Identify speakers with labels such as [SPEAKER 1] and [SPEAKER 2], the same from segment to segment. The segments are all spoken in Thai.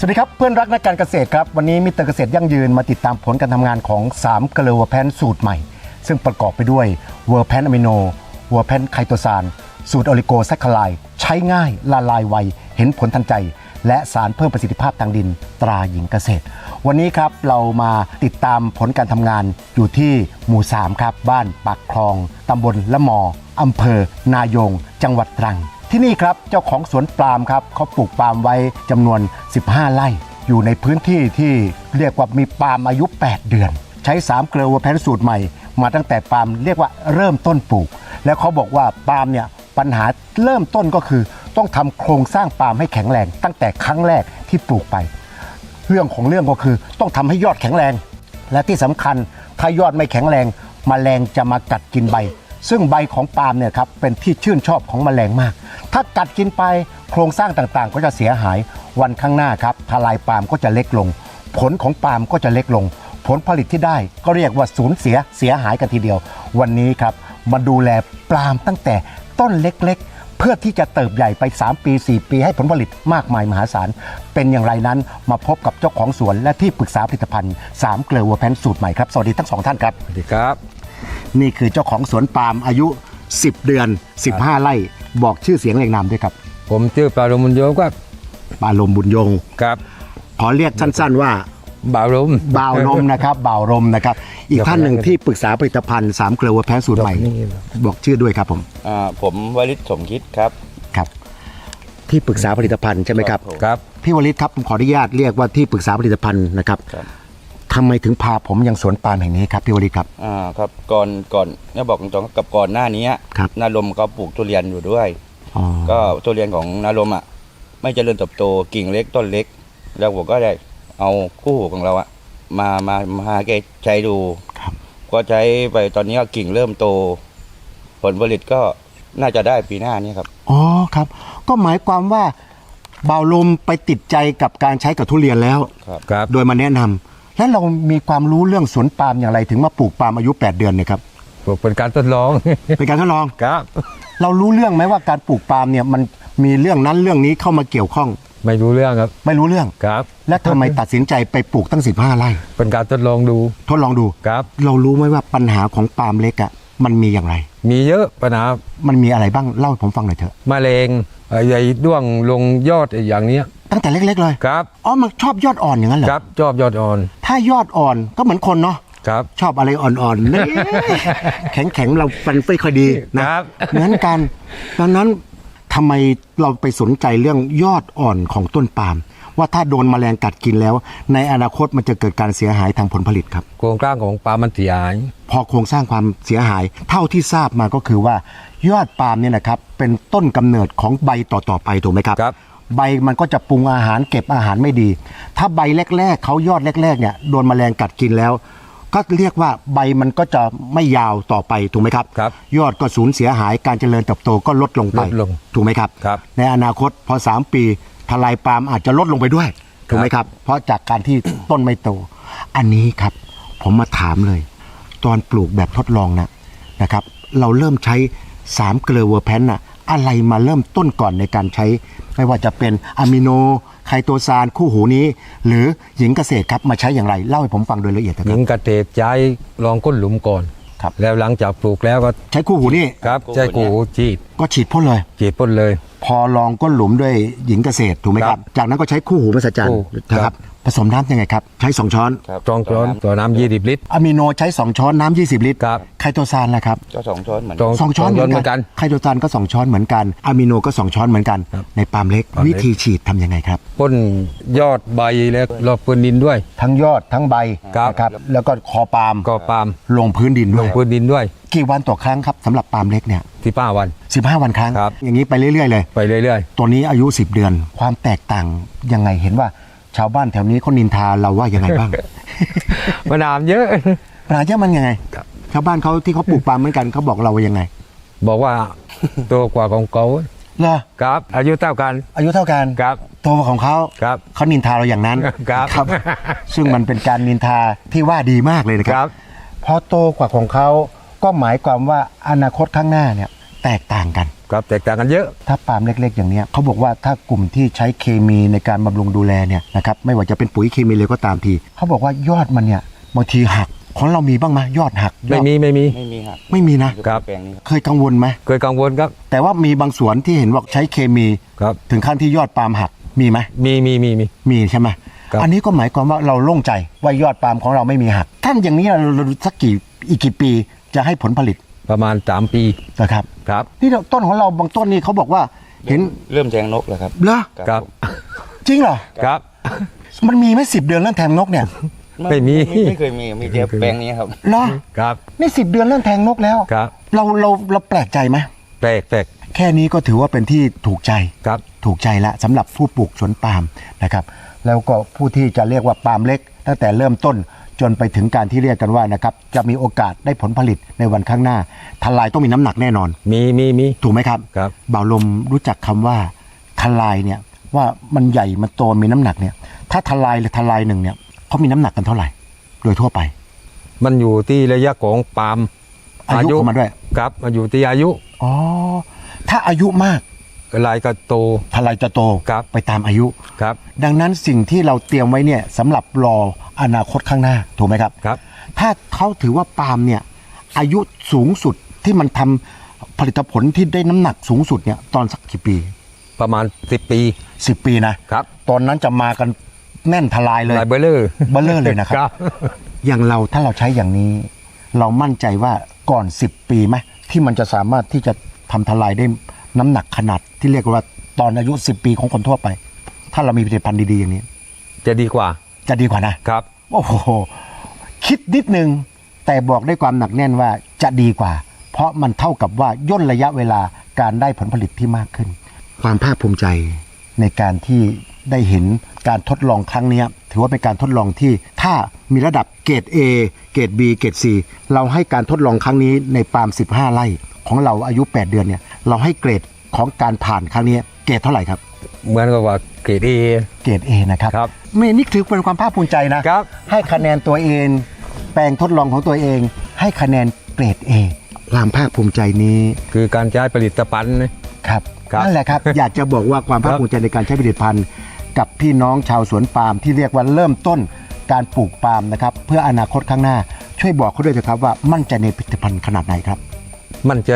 [SPEAKER 1] สวัสดีครับเพื่อนรักนักการเกษตรครับวันนี้มิสเตอร์เกษตรยั่งยืนมาติดตามผลการทำงานของ3เกลือเวอร์แพนสูตรใหม่ซึ่งประกอบไปด้วยเวอร์แพนอะมิโนเวอร์แพนไคโตซานสูตรโอลิโกแซคคาไลด์ใช้ง่ายละลายไวเห็นผลทันใจและสารเพิ่มประสิทธิภาพทางดินตราหญิงเกษตรวันนี้ครับเรามาติดตามผลการทำงานอยู่ที่หมู่3ครับบ้านปากคลองตำบลละมออำเภอนายงจังหวัดตรังที่นี่ครับเจ้าของสวนปาล์มครับเขาปลูกปาล์มไว้จำนวน15ไร่อยู่ในพื้นที่ที่เรียกว่ามีปาล์มอายุ8เดือนใช้3เกลือเวอร์แพนสูตรใหม่มาตั้งแต่ปาล์มเรียกว่าเริ่มต้นปลูกแล้วเขาบอกว่าปาล์มเนี่ยปัญหาเริ่มต้นก็คือต้องทำโครงสร้างปาล์มให้แข็งแรงตั้งแต่ครั้งแรกที่ปลูกไปเรื่องของเรื่องก็คือต้องทำให้ยอดแข็งแรงและที่สำคัญถ้ายอดไม่แข็งแรงแมลงจะมากัดกินใบซึ่งใบของปาล์มเนี่ยครับเป็นที่ชื่นชอบของแมลงมากถ้ากัดกินไปโครงสร้างต่างๆก็จะเสียหายวันข้างหน้าครับทลายปาล์มก็จะเล็กลงผลของปาล์มก็จะเล็กลงผลผลิตที่ได้ก็เรียกว่าสูญเสียหายกันทีเดียววันนี้ครับมาดูแลปาล์มตั้งแต่ต้นเล็กๆเพื่อที่จะเติบใหญ่ไป3ปี4ปีให้ผลผลิตมากมายมหาศาลเป็นอย่างไรนั้นมาพบกับเจ้าของสวนและที่ปรึกษาผลิตภัณฑ์3เกลือเวอร์แพนสูตรใหม่ครับสวัสดีทั้ง2ท่านครับ
[SPEAKER 2] สวัสดีครับ
[SPEAKER 1] นี่คือเจ้าของสวนปาล์มอายุ10เดือน15ไร่บอกชื่อเสียงเรียงนามด้วยครับ
[SPEAKER 2] ผมชื่อปาลมบุญโยมครับ
[SPEAKER 1] ปาลมบุญยง
[SPEAKER 2] ครับ
[SPEAKER 1] ขอเรียกสั้นๆว่า
[SPEAKER 2] บ่าวลม
[SPEAKER 1] บ่าวลมนะครับบ่าวลมนะครับอีกท่านหนึ่งที่ปรึกษาผลิตภัณฑ์3เกลือเวอร์แพนสูตรใหม่บอกชื่อด้วยครับ
[SPEAKER 3] ผมวริศสมคิดครับ
[SPEAKER 1] ครับที่ปรึกษาผลิตภัณฑ์ใช่ไหมครับ
[SPEAKER 2] ครับ
[SPEAKER 1] พี่วริศครับผมขออนุญาตเรียกว่าที่ปรึกษาผลิตภัณฑ์นะครับทำไมถึงพาผมยังสวนปาล์มแห่งนี้ครับพี่วริศครับ
[SPEAKER 3] ครับก่อนเนี่ยบอกตรงๆกับก่อนหน้านี้นาลมเขาปลูกทุเรียนอยู่ด้วยก็ทุเรียนของนาลมไม่เจริญเติบโตกิ่งเล็กต้นเล็กแล้วผมก็ได้เอาคู่หูของเรามาแกใช้ดูก็ใช้ไปตอนนี้กิ่งเริ่มโตผลผลิตก็น่าจะได้ปีหน้านี้ครับ
[SPEAKER 1] อ๋อครับก็หมายความว่าบ่าวลมไปติดใจกับการใช้กับทุเรียนแล้ว
[SPEAKER 2] ครับ
[SPEAKER 1] โดยมาแนะนำแล้วเรามีความรู้เรื่องสวนปาล์มอย่างไรถึงมาปลูกปาล์มอายุ8เดือนเนี่ยครับ
[SPEAKER 2] ปลูกเป็นการทดลอง
[SPEAKER 1] เป็นการทดลอง
[SPEAKER 2] ครับ
[SPEAKER 1] เรารู้เรื่องไหมว่าการปลูกปาล์มเนี่ยมันมีเรื่องนั้นเรื่องนี้เข้ามาเกี่ยวข้อง
[SPEAKER 2] ไม่รู้เรื่องครับ
[SPEAKER 1] ไม่รู้เรื่อง
[SPEAKER 2] ครับ
[SPEAKER 1] และทำไมตัดสินใจไปปลูกตั้ง15ไร่
[SPEAKER 2] เป็นการทดลองดูครับ
[SPEAKER 1] เรารู้ไหมว่าปัญหาของปาล์มเล็กมันมีอย่างไร
[SPEAKER 2] มีเยอะปัญหา
[SPEAKER 1] มันมีอะไรบ้างเล่าให้ผมฟังหน่อยเถอะ
[SPEAKER 2] มะเร็งใหญ่ด้วงลงยอดอย่างนี้
[SPEAKER 1] ตั้งแต่เล็กๆเลย
[SPEAKER 2] ครับ
[SPEAKER 1] อ๋อมันชอบยอดอ่อนอย่างนั้นเหรอ
[SPEAKER 2] ครับชอบยอดอ่อน
[SPEAKER 1] ถ้ายอดอ่อนก็เหมือนคนเนาะ
[SPEAKER 2] ครับ
[SPEAKER 1] ชอบอะไรอ่อนๆนี่ แข็งๆเราฟันไม่ค่อยดีนะครับเหมือนกันดังนั้นทำไมเราไปสนใจเรื่องยอดอ่อนของต้นปาล์มว่าถ้าโดนแมลงกัดกินแล้วในอนาคตมันจะเกิดการเสียหายทางผลผลิตครับ
[SPEAKER 2] โครงสร้างของปาล์มมันเสียหาย
[SPEAKER 1] พอโครงสร้างความเสียหายเท่าที่ทราบมาก็คือว่ายอดปาล์มเนี่ยนะครับเป็นต้นกำเนิดของใบต่อๆไปถูกไหมครับใบมันก็จะปรุงอาหารเก็บอาหารไม่ดีถ้าใบแรกๆเขายอดแรกๆเนี่ยโดนแมลงกัดกินแล้วก็เรียกว่าใบมันก็จะไม่ยาวต่อไปถูกไหมครับยอดก็สูญเสียหายการเจริญเติบโตก็ลดลงไปถูกไหมครับในอนาคตพอ3ปีทลายปาล์มอาจจะลดลงไปด้วยถูกไหมครับเพราะจากการที่ต้นไม่โตอันนี้ครับผมมาถามเลยตอนปลูกแบบทดลองนะครับเราเริ่มใช้3เกลือเวอร์แพนอะไรมาเริ่มต้นก่อนในการใช้ไม่ว่าจะเป็นอะมิโนไคโตซานคู่หูนี้หรือหญิงเกษตรครับมาใช้อย่างไรเล่าให้ผมฟังโดยละเอียดนะครับ
[SPEAKER 2] หญิงเกษตรใช้ลองก้นหลุมก่อน
[SPEAKER 1] ครับ
[SPEAKER 2] แล้วหลังจากปลูกแล้วก็
[SPEAKER 1] ใช้คู่หูนี่
[SPEAKER 2] ครับใช้คู่หูฉีด
[SPEAKER 1] พ่นเลยพอลองก้นหลุมด้วยหญิงเกษตรถูกไหมครับจากนั้นก็ใช้คู่หูมหัศจรรย์นะครับผสมน้ำยังไงครับใช้2ช้อน
[SPEAKER 2] 2ช้อนต่อน้ำ20ลิตร
[SPEAKER 1] อะมิโนใช้2ช้อนน้ำ20ลิตร
[SPEAKER 2] ครับ
[SPEAKER 1] ไคโตซานล่ะครับ
[SPEAKER 3] ก็2ช้อนเหมือน
[SPEAKER 1] 2ช้อนเหมือนกันไคโตซานก็2ช้อนเหมือนกันอะมิโนก็2ช้อนเหมือนกันในปาล์มเล็กวิธีฉีดทำยังไงครับ
[SPEAKER 2] พ่นยอดใบแล้วรอบพื้นดินด้วย
[SPEAKER 1] ทั้งยอดทั้งใบนะครับแล้วก็คอปาล์มลงพื้นดิน
[SPEAKER 2] ด้วย
[SPEAKER 1] กี่วันต่อครั้งครับสำหรับปาล์มเล็กเนี่ย
[SPEAKER 2] 15วัน
[SPEAKER 1] ครั้งอย่างนี้ไปเรื่อยๆเลยตัวนี้อายุ10เดือนความแตกต่างยังไงเห็นว่าชาวบ้านแถวนี้เขานินทาเราว่ายังไงบ้าง
[SPEAKER 2] ปัญหาเยอะ
[SPEAKER 1] มันยังไงชาวบ้านเขาที่เขาปลูกปาล์มเหมือนกันเขาบอกเราว่ายังไง
[SPEAKER 2] บอกว่าโตกว่าของเขา
[SPEAKER 1] เหรอ
[SPEAKER 2] ครับอายุเท่ากัน
[SPEAKER 1] ครับโตกว่าของเขาเขานินทาเราอย่างนั้นครับซึ่งมันเป็นการนินทาที่ว่าดีมากเลยนะครับพอโตกว่าของเขาก็หมายความว่าอนาคตข้างหน้าเนี่ยแตกต่างกัน
[SPEAKER 2] ครับแตกต่างกันเยอะ
[SPEAKER 1] ถ้าปาล์มเล็กๆอย่างเนี้ยเขาบอกว่าถ้ากลุ่มที่ใช้เคมีในการบำรุงดูแลเนี่ยนะครับไม่ว่าจะเป็นปุ๋ยเคมีเลยก็ตามทีเขาบอกว่ายอดมันเนี่ยบางทีหักของเรามีบ้างไหมยอดหัก
[SPEAKER 2] ไม่มี
[SPEAKER 3] ไม่มีครับ
[SPEAKER 1] ไม่มีนะ
[SPEAKER 2] ครับ
[SPEAKER 3] แปลงนี้ครับ
[SPEAKER 1] เคยกังวลไหม
[SPEAKER 2] เคยกังวลครับ
[SPEAKER 1] แต่ว่ามีบางสวนที่เห็นว่าใช้เคมี
[SPEAKER 2] ครับ
[SPEAKER 1] ถึงขั้นที่ยอดปาล์มหักมีไหม
[SPEAKER 2] มี
[SPEAKER 1] มีใช่ไหม
[SPEAKER 2] ครับ
[SPEAKER 1] อันนี้ก็หมายความว่าเราโล่งใจว่ายอดปาล์มของเราไม่มีหักท่านอย่างนี้เราสักอีกกี่ปีจะให้ผลผลิต
[SPEAKER 2] ประมาณ3 ปี
[SPEAKER 1] นะครับ
[SPEAKER 2] ครับ
[SPEAKER 1] นี่ต้นของเราบางต้นนี่เขาบอกว่าเห็น
[SPEAKER 3] เริ่มแทงนกแล้วครับ
[SPEAKER 1] เหรอ
[SPEAKER 2] ครับ
[SPEAKER 3] ผม
[SPEAKER 1] จริงเหรอ
[SPEAKER 2] ครับ
[SPEAKER 1] มันมีไหม10 เดือนเรื่องแทงนกเนี่ย
[SPEAKER 2] ไม่มี
[SPEAKER 3] ไม่เคยมีแต่แปลงนี้ครับ
[SPEAKER 1] เหรอ
[SPEAKER 2] ครับ
[SPEAKER 1] นี่10 เดือนเรื่องแทงนกแล้ว
[SPEAKER 2] ครับ
[SPEAKER 1] เราแปลกใจไหม
[SPEAKER 2] แปลก
[SPEAKER 1] แค่นี้ก็ถือว่าเป็นที่ถูกใจ
[SPEAKER 2] ครับ
[SPEAKER 1] ถูกใจละสำหรับผู้ปลูกสวนปาล์มนะครับแล้วก็ผู้ที่จะเรียกว่าปาล์มเล็ก ตั้งแต่เริ่มต้นจนไปถึงการที่เรียกกันว่านะครับจะมีโอกาสได้ผลผลิตในวันข้างหน้าทลายต้องมีน้ำหนักแน่นอน
[SPEAKER 2] มี
[SPEAKER 1] ถูกไหมครับ
[SPEAKER 2] ครับ
[SPEAKER 1] บ่าวลมรู้จักคำว่าทลายเนี่ยว่ามันใหญ่มันโตมีน้ำหนักเนี่ยถ้าทลายหรือทลายหนึ่งเนี่ยเขามีน้ำหนักกันเท่าไหร่ โดยทั่วไป
[SPEAKER 2] มันอยู่ที่ระยะของปาล์ม
[SPEAKER 1] อายุของมันด้วย
[SPEAKER 2] ครับมันอยู่ที่อายุ
[SPEAKER 1] อ๋อถ้าอายุมาก
[SPEAKER 2] ลายก็โต
[SPEAKER 1] ทลายจะโต
[SPEAKER 2] ครับ
[SPEAKER 1] ไปตามอายุ
[SPEAKER 2] ครับ
[SPEAKER 1] ดังนั้นสิ่งที่เราเตรียมไว้เนี่ยสำหรับรออนาคตข้างหน้าถูกไหมครับ
[SPEAKER 2] ครับ
[SPEAKER 1] ถ้าเขาถือว่าปาล์มเนี่ยอายุสูงสุดที่มันทำผลิตผลที่ได้น้ำหนักสูงสุดเนี่ยตอนสักกี่ปี
[SPEAKER 2] ประมาณ10 ปี
[SPEAKER 1] 10 ปีนะครับ ตอนนั้นจะมากันแน่นทลายเลย
[SPEAKER 2] ลายเบลเลอร์
[SPEAKER 1] เบลเลอร์เลยนะครับ
[SPEAKER 2] ครับ
[SPEAKER 1] อย่างเราถ้าเราใช้อย่างนี้ เรามั่นใจว่าก่อน10 ปีไหมที่มันจะสามารถที่จะทำทลายได้น้ำหนักขนาดที่เรียกว่าตอนอายุ10 ปีของคนทั่วไป ถ้าเรามีผลิตภัณฑ์ดีๆอย่างนี้
[SPEAKER 2] จะดีกว่า
[SPEAKER 1] จะดีกว่านะครับ โอ้โหคิดนิดนึงแต่บอกด้วยความหนักแน่นว่าจะดีกว่า เพราะมันเท่ากับว่าย่นระยะเวลาการได้ผลผลิตที่มากขึ้น ความภาคภูมิใจในการที่ได้เห็นการทดลองครั้งนี้ถือว่าเป็นการทดลองที่ถ้ามีระดับเกรด A เกรด B เกรด C เราให้การทดลองครั้งนี้ในปาล์ม15 ไร่ของเราอายุ 8 เดือนเนี่ยเราให้เกรดของการผ่านครั้งนี้เกรดเท่าไหร่ครับ
[SPEAKER 2] เหมือนกับว่าเกรด A
[SPEAKER 1] เกรด A นะครับ
[SPEAKER 2] ครับ
[SPEAKER 1] ไม่นี่ถือเป็นความภาคภูมิใจนะครับ ให้คะแนนตัวเอง แปลงทดลองของตัวเอง ให้คะแนนเกรด A ความภาคภูมิใจนี้
[SPEAKER 2] คือการใช้ผลิตภัณฑ์นะครับ
[SPEAKER 1] นั่นแหละครับ อยากจะบอกว่าความภาคภูมิใจในการใช้ผลิตภัณฑ์ กับพี่น้องชาวสวนปาล์มที่เรียกว่าเริ่มต้นการปลูกปาล์มนะครับเพื่ออนาคตข้างหน้าช่วยบอกเขาด้วยนะครับว่ามั่นใจในผลิตภัณฑ์ขนาดไหนครับ
[SPEAKER 2] มั่นใจ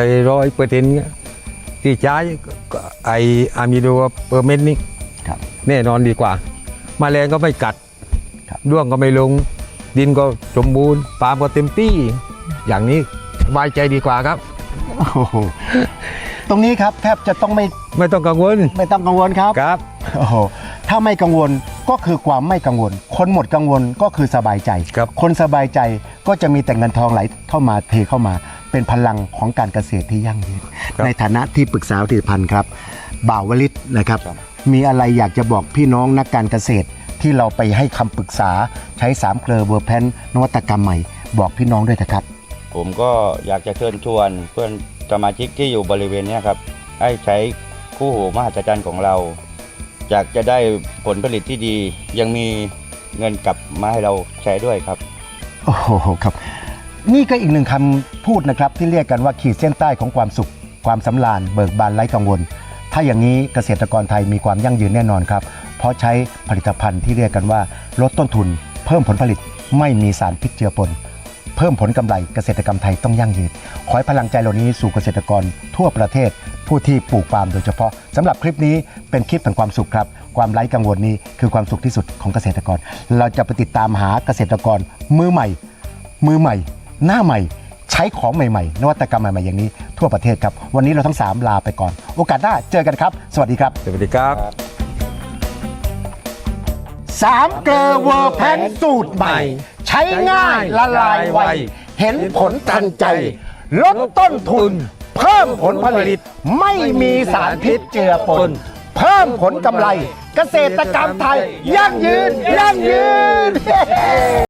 [SPEAKER 2] 100%ที่ใช้ก็ไออะมิโดเปอร์เมนต์นี่
[SPEAKER 1] ครับ
[SPEAKER 2] แน่นอนดีกว่าแมลงก็ไม่กัด
[SPEAKER 1] ครับ
[SPEAKER 2] ร่วงก็ไม่ลง ดินก็สมบูรณ์ปาล์มก็เต็มที่ อย่างนี้สบายใจดีกว่าครับ
[SPEAKER 1] โอ้โหตรงนี้ครับแทบจะต้องไม่
[SPEAKER 2] ไม่ต้องกังวล
[SPEAKER 1] ต้องกังวลครับ
[SPEAKER 2] ครับ
[SPEAKER 1] โอ้โหถ้าไม่กังวลก็คือความไม่กังวล คนหมดกังวลก็คือสบายใจ
[SPEAKER 2] ครับ
[SPEAKER 1] คนสบายใจก็จะมีแต่เงินทองไหลเข้ามาเทเข้ามา เป็นพลังของการเกษตรที่ยั่งยืนในฐานะที่ปรึกษาผลิตภัณฑ์ครับบ่าววลิตนะครับ มีอะไรอยากจะบอกพี่น้องนักการเกษตรที่เราไปให้คำปรึกษาใช้3 เกลอเวอร์แพนนวัตกรรมใหม่บอกพี่น้องด้วยนะครับ
[SPEAKER 3] ผมก็อยากจะเชิญชวนเพื่อนสมาชิกที่อยู่บริเวณเนี้ยครับให้ใช้คู่หูมหัศจรรย์ของเราอยากจะได้ผลผลิตที่ดี ยังมีเงินกลับมาให้เราใช้ด้วยครับ
[SPEAKER 1] โอ้โหครับนี่ก็อีกหนึ่งคำพูดนะครับที่เรียกกันว่าขีดเส้นใต้ของความสุข ความสำราญเบิกบานไร้กังวล ถ้าอย่างนี้เกษตรกรไทยมีความยั่งยืนแน่นอนครับเพราะใช้ผลิตภัณฑ์ที่เรียกกันว่าลดต้นทุน เพิ่มผลผลิตไม่มีสารพิษเจือปนเพิ่มผลกำไรเกษตรกรรมไทยต้องยั่งยืนขอให้พลังใจเหล่านี้สู่เกษตรกรทั่วประเทศ ผู้ที่ปลูกปาล์มโดยเฉพาะสำหรับคลิปนี้เป็นคลิปแห่งความสุขครับความไร้กังวลนี้คือความสุขที่สุดของเกษตรกร เราจะไปติดตามหาเกษตรกรมือใหม่ หน้าใหม่ใช้ของใหม่ๆนวัตกรรมใหม่ๆอย่างนี้ทั่วประเทศครับวันนี้เราทั้ง3ลาไปก่อนโอกาสหน้าเจอกันครับสวัสดีครับ
[SPEAKER 2] สวัสดีครับ
[SPEAKER 1] 3 เกลอเวอร์แพนสูตรใหม่ ใช้ง่ายละลายไวเห็นผลทันใจ ลดต้นทุน เพิ่มผลผลิตไม่มีสารพิษเจือปน เพิ่มผลกำไร เกษตรกรรมไทยยั่งยืน